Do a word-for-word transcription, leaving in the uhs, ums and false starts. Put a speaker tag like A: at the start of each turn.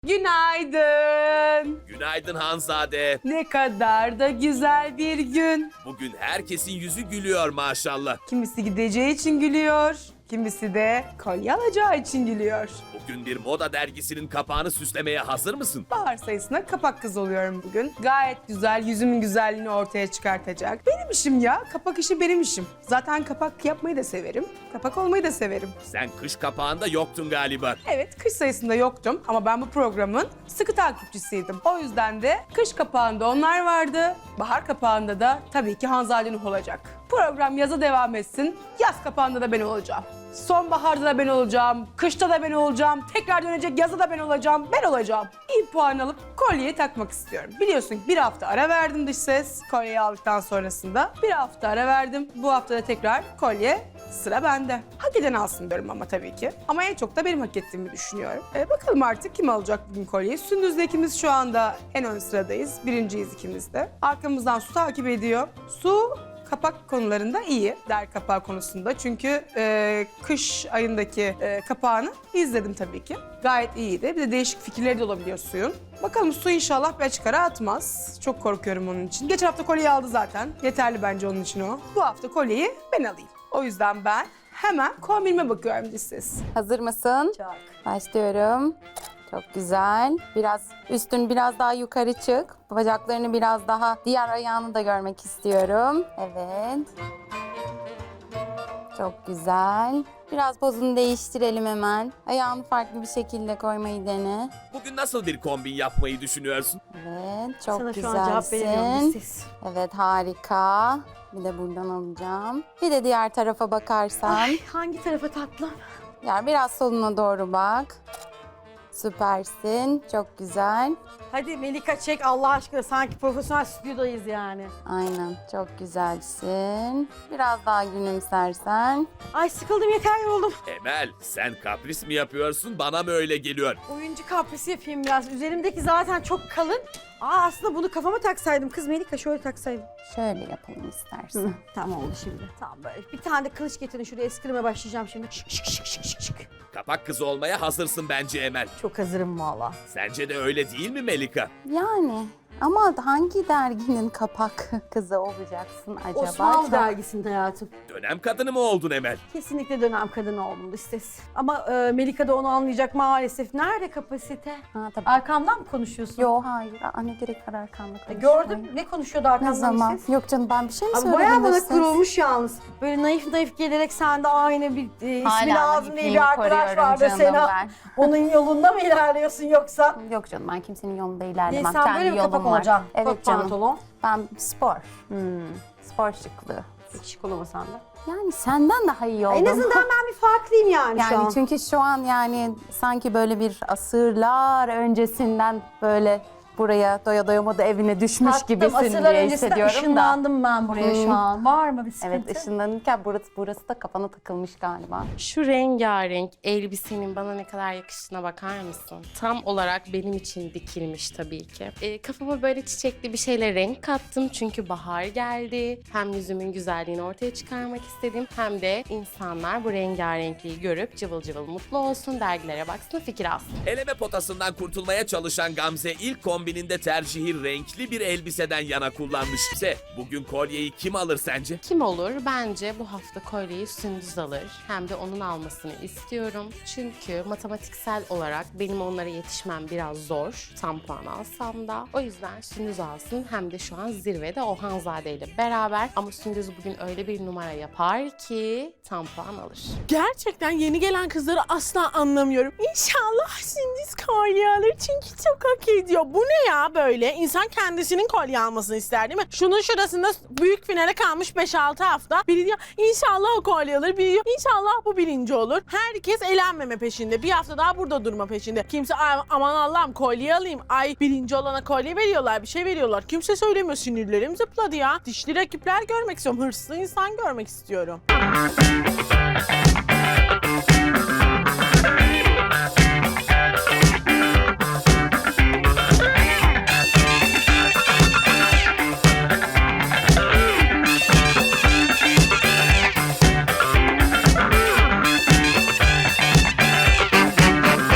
A: Günaydın.
B: Günaydın Hanzade.
A: Ne kadar da güzel bir gün.
B: Bugün herkesin yüzü gülüyor maşallah.
A: Kimisi gideceği için gülüyor, kimisi de kolye alacağı için gülüyor.
B: Bugün bir moda dergisinin kapağını süslemeye hazır mısın?
A: Bahar sayısına kapak kız oluyorum bugün. Gayet güzel, yüzümün güzelliğini ortaya çıkartacak. Benim işim ya, kapak işi benim işim. Zaten kapak yapmayı da severim, kapak olmayı da severim.
B: Sen kış kapağında yoktun galiba.
A: Evet, kış sayısında yoktum ama ben bu programın sıkı takipçisiydim. O yüzden de kış kapağında onlar vardı, bahar kapağında da tabii ki Hanzade Nuh olacak. Program yaza devam etsin, yaz kapağında da ben olacağım. Sonbaharda da ben olacağım, kışta da ben olacağım, tekrar dönecek yazda da ben olacağım, ben olacağım. İyi puan alıp kolyeyi takmak istiyorum. Biliyorsun ki bir hafta ara verdim dış ses, kolyeyi aldıktan sonrasında. Bir hafta ara verdim, bu hafta da tekrar kolye sıra bende. Hak eden alsın diyorum ama tabii ki. Ama en çok da benim hak ettiğimi düşünüyorum. E, bakalım artık kim alacak bugün kolyeyi? Sündüz'le ikimiz şu anda en ön sıradayız. Birinciyiz ikimiz de. Arkamızdan Su takip ediyor. Su kapak konularında iyi, der kapağı konusunda. Çünkü e, kış ayındaki e, kapağını izledim tabii ki. Gayet iyiydi. Bir de değişik fikirleri de olabiliyor Su'yun. Bakalım Su inşallah bir açık ara atmaz. Çok korkuyorum onun için. Geçen hafta kolyeyi aldı zaten. Yeterli bence onun için o. Bu hafta kolyeyi ben alayım. O yüzden ben hemen kombinime bakıyorum siz.
C: Hazır mısın?
A: Çok.
C: Başlıyorum. Çok güzel. Biraz üstün biraz daha yukarı çık. Bacaklarını biraz daha, diğer ayağını da görmek istiyorum. Evet. Çok güzel. Biraz pozunu değiştirelim hemen. Ayağını farklı bir şekilde koymayı dene.
B: Bugün nasıl bir kombin yapmayı düşünüyorsun?
C: Evet, çok
D: Sana şu an cevap veremiyorum
C: güzelsin.
D: siz.
C: Evet, harika. Bir de buradan alacağım. Bir de diğer tarafa bakarsan.
D: Ay, hangi tarafa tatlım?
C: Yani biraz soluna doğru bak. Süpersin. Çok güzel.
D: Hadi Melika çek Allah aşkına, sanki profesyonel stüdyodayız yani.
C: Aynen. Çok güzelsin. Biraz daha gülümsersen.
D: Ay sıkıldım, yeter, yoruldum.
B: Emel, sen kapris mi yapıyorsun, bana mı öyle geliyor?
D: Oyuncu kaprisi yapayım biraz. Üzerimdeki zaten çok kalın. Aa, aslında bunu kafama taksaydım kız Melika, şöyle taksaydım.
C: Şöyle yapalım istersen.
D: Tamam oldu şimdi. Tamam böyle. Bir tane de kılıç getirin, şuraya eskrimeye başlayacağım şimdi. Şık şık şık şık şık şık.
B: Kapak kızı olmaya hazırsın bence Emel.
D: Çok hazırım valla.
B: Sence de öyle değil mi Melika?
C: Yani ama hangi derginin kapak kızı olacaksın acaba?
D: Osmanlı
C: Çok-
D: dergisinde hayatım.
B: Dönem kadını mı oldun Emel?
D: Kesinlikle dönem kadını oldum listes. Ama e, Melika da onu anlayacak maalesef. Nerede kapasite?
C: Ha, tabii.
D: Arkamdan mı konuşuyorsun?
C: Yok hayır. Aa, ne gerek var arkamda
D: E,
C: konuşmaya?
D: Gördüm. Ne konuşuyordu
C: Ne
D: arkamdan
C: zaman?
D: listes?
C: Yok canım, ben bir şey mi
D: Abi
C: söyledim?
D: bayağı bana
C: de siz?
D: kurulmuş yalnız. Böyle naif naif gelerek sen de aynı bir e, ismi
C: Hala
D: lazım diye
C: naifliğimi
D: bir arkadaş
C: koruyorum
D: vardı
C: canım
D: Sena.
C: ben.
D: Onun yolunda mı ilerliyorsun yoksa?
C: Yok canım, ben kimsenin yolunda
D: Niye,
C: ilerlemem.
D: sen
C: Kendi
D: böyle bir
C: yolum
D: kapak
C: var.
D: olacaksın?
C: Evet
D: Kot
C: canım.
D: pantolon.
C: Ben spor. Spor şıklığı.
D: Hiç şık olamasan da.
C: Yani senden daha iyi oldum.
D: En azından ben bir farklıyım yani, şu
C: Yani
D: an.
C: çünkü şu an yani sanki böyle bir asırlar öncesinden böyle buraya doya doya moda evine düşmüş
D: Tatlım,
C: gibisin
D: asırlar
C: diye
D: öncesinden
C: hissediyorum da.
D: ışınlandım ben buraya
C: Hmm.
D: şu an. Var mı bir sıkıntı?
C: Evet, ışınlanırken burası, burası da kafana takılmış galiba.
E: Şu rengarenk elbisenin bana ne kadar yakıştığına bakar mısın? Tam olarak benim için dikilmiş tabii ki. Ee, kafama böyle çiçekli bir şeyle renk kattım çünkü bahar geldi. Hem yüzümün güzelliğini ortaya çıkarmak istedim hem de insanlar bu rengarenkliği görüp cıvıl cıvıl mutlu olsun, dergilere baksın, fikir alsın.
B: Eleme potasından kurtulmaya çalışan Gamze ilk kombininde tercihi renkli bir elbiseden yana kullanmış. ise bugün kolyeyi kim alır sence?
E: Kim olur? Bence bu hafta kolyeyi Sündüz alır. Hem de onun almasını istiyorum. Çünkü matematiksel olarak benim onlara yetişmem biraz zor. Tam puan alsam da. O yüzden Sündüz alsın. Hem de şu an zirvede o Hanzade ile beraber. Ama Sündüz bugün öyle bir numara yapar ki tam puan alır.
F: Gerçekten yeni gelen kızları asla anlamıyorum. İnşallah Sündüz kolye alır çünkü çok hak ediyor. Bu ne ya böyle? İnsan kendisinin kolye almasını ister değil mi? Şunun şurasında büyük finale kalmış beş altı hafta. Biri diyor inşallah o kolye alır. Biri diyor inşallah bu birinci olur. Herkes elenmeme peşinde. Bir hafta daha burada durma peşinde. Kimse "Ay, aman Allah'ım kolye alayım. Ay birinci olana kolye veriyorlar. Bir şey veriyorlar. Kimse söylemiyor. Sinirlerim zıpladı ya. Dişli rakipler görmek istiyorum. Hırslı insan görmek istiyorum.